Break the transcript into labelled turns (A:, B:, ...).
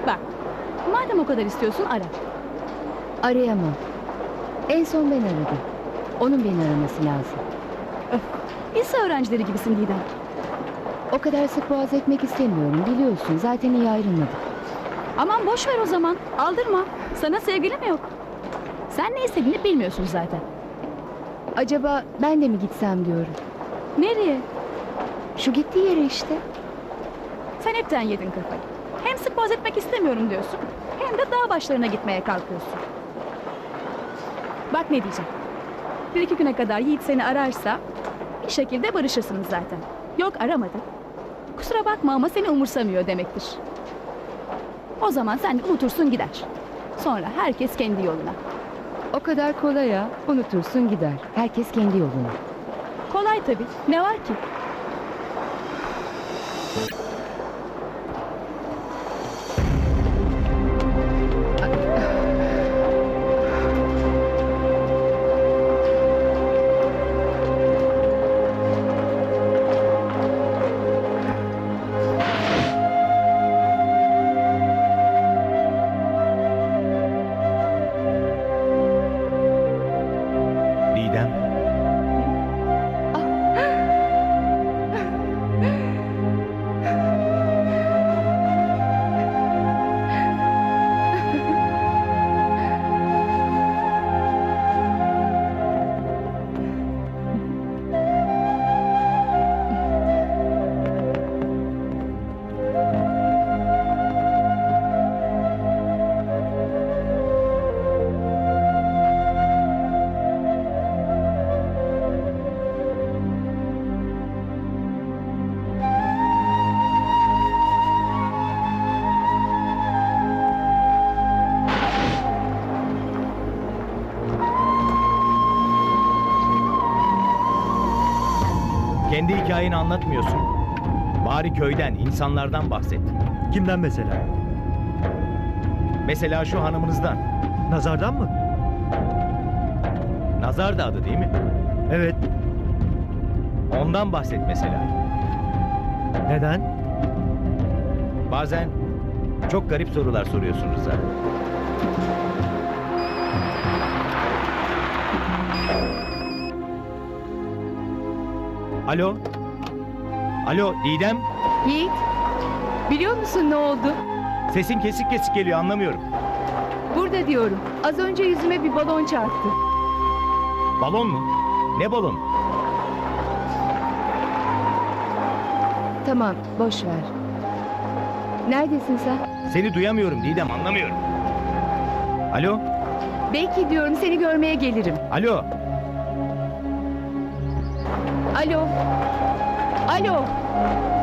A: Bak, madem o kadar istiyorsun ara.
B: Arayamam. En son ben aradım. Onun beni araması lazım.
A: Lise öğrencileri gibisin Didem.
B: O kadar sık boğaz etmek istemiyorum, biliyorsun. Zaten iyi ayrılmadık.
A: Aman boş ver o zaman. Aldırma. Sana sevgili mi yok? Sen ne istediğini bilmiyorsun zaten.
B: Acaba ben de mi gitsem diyorum.
A: Nereye?
B: Şu gittiği yere işte.
A: Sen hepten yedin kafayı. Hem sık boğaz etmek istemiyorum diyorsun, hem de dağ başlarına gitmeye kalkıyorsun. Bak ne diyeceğim. Bir iki güne kadar Yiğit seni ararsa bir şekilde barışırsınız zaten. Yok aramadı. Kusura bakma ama seni umursamıyor demektir. O zaman sen de unutursun gider. Sonra herkes kendi yoluna.
B: O kadar kolay ya. Unutursun gider. Herkes kendi yoluna.
A: Kolay tabii. Ne var ki?
C: Didem. Kendi hikayeni anlatmıyorsun. Bari köyden, insanlardan bahset.
D: Kimden mesela?
C: Mesela şu hanımınızdan.
D: Nazardan mı?
C: Nazar da adı değil mi?
D: Evet.
C: Ondan bahset mesela.
D: Neden?
C: Bazen çok garip sorular soruyorsun Rıza. Alo? Alo Didem?
B: Yiğit, biliyor musun ne oldu?
C: Sesin kesik kesik geliyor, anlamıyorum.
B: Burada diyorum. Az önce yüzüme bir balon çarptı.
C: Balon mu? Ne balon?
B: Tamam, boş ver. Neredesin sen?
C: Seni duyamıyorum Didem, anlamıyorum. Alo?
B: Belki diyorum seni görmeye gelirim.
C: Alo?
B: Alo. Alo.